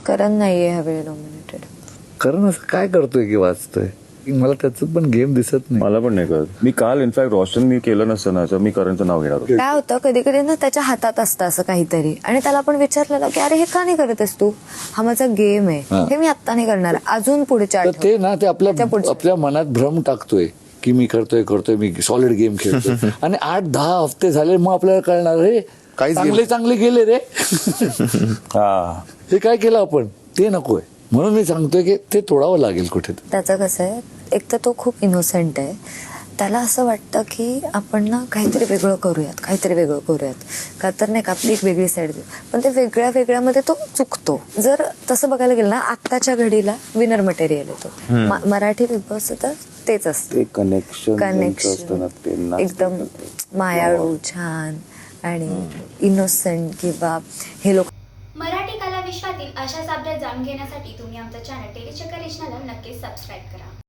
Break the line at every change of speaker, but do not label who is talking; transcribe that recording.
करण नाहीये ह्यावेळी नॉमिनेटेड.
करण असं काय करतोय की वाचतोय, मला त्याचं पण गेम दिसत नाही.
मला पण नाही कळत. मी काल इनफॅक्ट रोशननी केलं नसतं ना तर मी करणचं नाव घेणार होतो.
काय होतं कधी कधी ना त्याच्या हातात असतं असं काहीतरी आणि त्याला आपण विचारलेलं की अरे हे का नाही करतेस तू, हा माझा गेम आहे, हे मी आत्ता नाही करणार, अजून पुढच्या
तर ते ना ते
त्या पुढच्या.
आपल्या मनात भ्रम टाकतोय की मी करतोय मी सॉलिड गेम खेळतोय आणि 8-10 हफ्ते झाले मग आपल्याला कळणार रे
काहीच
चांगले गेले रे.
हा
हे काय केलं आपण, ते नकोय. म्हणून मी सांगतोय की ते तोडावं लागेल कुठे.
त्याचं कसं आहे, एक तर तो खूप इनोसेंट आहे, त्याला असं वाटतं की आपण ना काहीतरी वेगळं करूयात का तर नाही का आपली एक वेगळी साईड देऊ, पण ते वेगळ्यामध्ये तो चुकतो. जर तसं बघायला गेलं ना आत्ताच्या घडीला विनर मटेरियल येतो मराठी बिग बॉस, तर तेच असतं कनेक्शन एकदम मायाळू छान आणि इनोसेंट किंवा हे लोक.
मराठी कला विश्वातील अशाच अपडेट जाणून घेण्यासाठी तुम्ही आमचं चॅनल टेलीचक्कर रिजनला नक्कीच सबस्क्राईब करा.